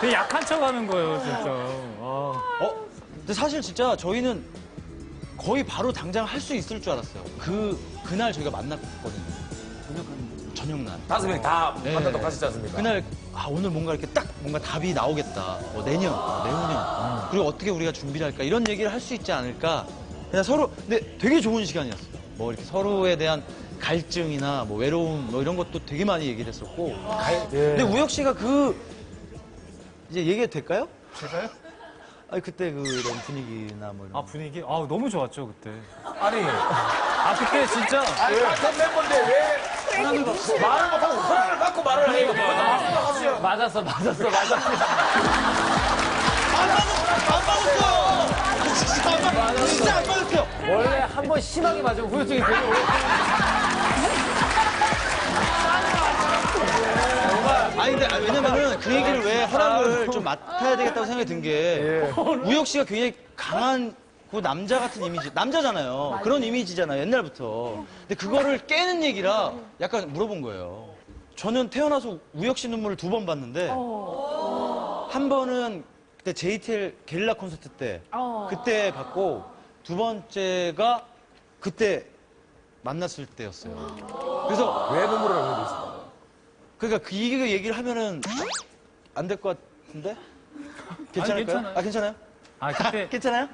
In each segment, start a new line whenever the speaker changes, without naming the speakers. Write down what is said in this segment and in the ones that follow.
되게 약한 척 하는 거예요, 진짜.
근데 사실 진짜 저희는 거의 바로 당장 할 수 있을 줄 알았어요. 그날 저희가 만났거든요. 저녁날.
5명이 다
네.
만나도록 하셨지 않습니까?
그날 오늘 뭔가 이렇게 딱 뭔가 답이 나오겠다. 내년, 내후년. 그리고 어떻게 우리가 준비를 할까 이런 얘기를 할 수 있지 않을까. 그냥 서로 근데 되게 좋은 시간이었어요. 뭐 이렇게 서로에 대한 갈증이나 뭐 외로움 뭐 이런 것도 되게 많이 얘기를 했었고. 근데 우혁 씨가 이제 얘기해도 될까요?
제가요?
아니 그때 그런 분위기나 뭐 이런.
분위기? 너무 좋았죠, 그때.
아니,
그때 진짜.
아니 같은 멤버인데 왜 말을 못하고 허락을 받고 말을 해요?
맞았어.
안 맞았어요. 진짜 안 맞았어요.
원래 한 번 심하게 맞으면 후유증이 되게 오래.
아니 근데 왜냐면은 그 얘기를 왜 허락을 좀 맡아야 되겠다고 생각이 든 게 우혁 씨가 굉장히 강한 그 남자 같은 이미지 남자잖아요. 그런 이미지잖아요 옛날부터. 근데 그거를 깨는 얘기라 약간 물어본 거예요. 저는 태어나서 우혁 씨 눈물을 2번 봤는데 한 번은 그때 JTL 게릴라 콘서트 때 그때 봤고 2번째가 그때 만났을 때였어요. 그래서
왜 눈물을 흘리고 있어?
그러니까 그 얘기를 하면은 안 될 것 같은데? 괜찮을까요?
괜찮아요.
괜찮아요?
그때.
괜찮아요?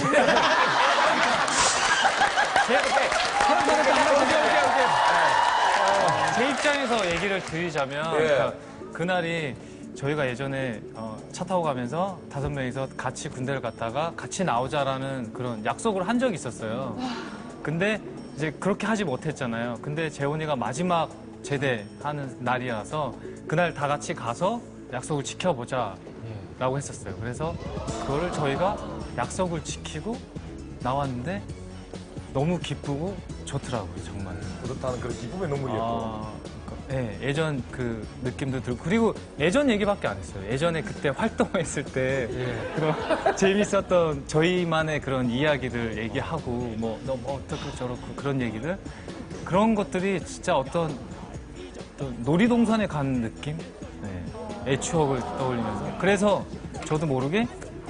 제 입장에서 얘기를 드리자면 그러니까 그날이 저희가 예전에 차 타고 가면서 5명이서 같이 군대를 갔다가 같이 나오자라는 그런 약속을 한 적이 있었어요. 근데 이제 그렇게 하지 못했잖아요. 근데 재훈이가 마지막 제대하는 날이라서 그날 다 같이 가서 약속을 지켜보자라고 했었어요. 그래서 그거를 저희가 약속을 지키고 나왔는데 너무 기쁘고 좋더라고요, 정말.
그렇다는 그런 기쁨의 눈물이었고.
네, 예전 그 느낌도 들고 그리고 예전 얘기밖에 안 했어요. 예전에 그때 활동했을 때 그런 재밌었던 저희만의 그런 이야기들 얘기하고 뭐 너 어떻고 저렇고 그런 얘기들 그런 것들이 진짜 어떤 놀이동산에 간 느낌? 네, 애 추억을 떠올리면서 그래서 저도 모르게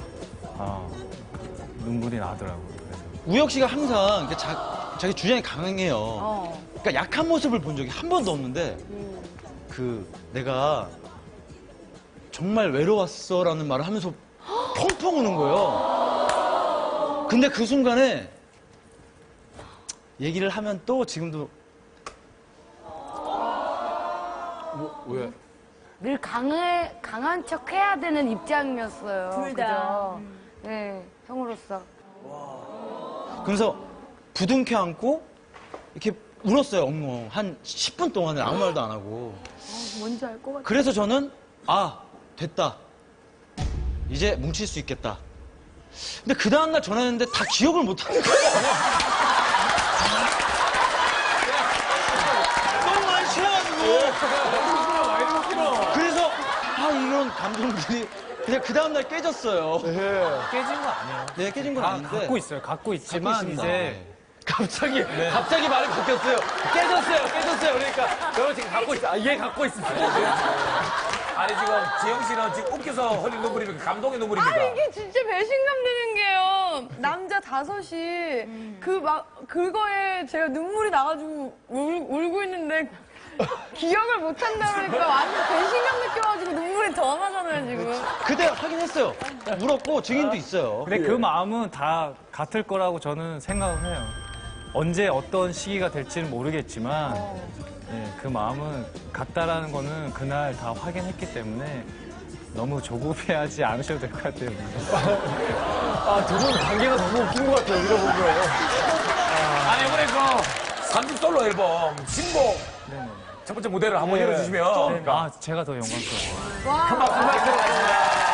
눈물이 나더라고요. 그래서.
우혁 씨가 항상 이렇게 자기 주장이 강해요. 그러니까 약한 모습을 본 적이 한 번도 없는데 내가 정말 외로웠어라는 말을 하면서 펑펑 우는 거예요. 근데 그 순간에 얘기를 하면 또 지금도
왜?
늘 강한 척 해야 되는 입장이었어요.
둘 다.
그죠? 네, 형으로서.
그래서 부둥켜 안고 이렇게 울었어요, 엉엉. 한 10분 동안은 아무 말도 안 하고.
뭔지 알 것 같아.
그래서 저는 됐다. 이제 뭉칠 수 있겠다. 근데 그 다음날 전화했는데 다 기억을 못 하는 거예요. 너무 많이 취해가지고. 그래서 이런 감정들이 그냥 그 다음날 깨졌어요.
깨진 거 아니에요.
네, 깨진 건 아닌데.
갖고 있어요. 갖고 있지만
갖고 있습니다.
이제
갑자기 말이 바뀌었어요. 깨졌어요. 그러니까
저는 지금 갖고 있어. 얘 갖고 있습니다. 아니 지금 지영 씨는 지금 웃겨서 흘린 눈물입니까? 감동의 눈물입니까?
이게 진짜 배신감 드는 게요. 남자 5이 그거에 제가 눈물이 나가지고 울고 있는데 기억을 못 한다 그러니까 완전 배신감 느껴가지고 눈물이 더 나잖아요, 지금.
그때 확인했어요. 울었고 증인도 있어요.
근데 그 마음은 다 같을 거라고 저는 생각을 해요. 언제 어떤 시기가 될지는 모르겠지만 네, 그 마음은 같다라는 거는 그날 다 확인했기 때문에 너무 조급해하지 않으셔도 될 것 같아요.
두 분 관계가 너무 웃긴 것 같아요. 이거 보면. 아니 이번에 그 3집 솔로 앨범 신곡 첫 번째 무대를 한번 열어주시면
제가 더 영광스러워요.
한 박수 부탁드리겠습니다.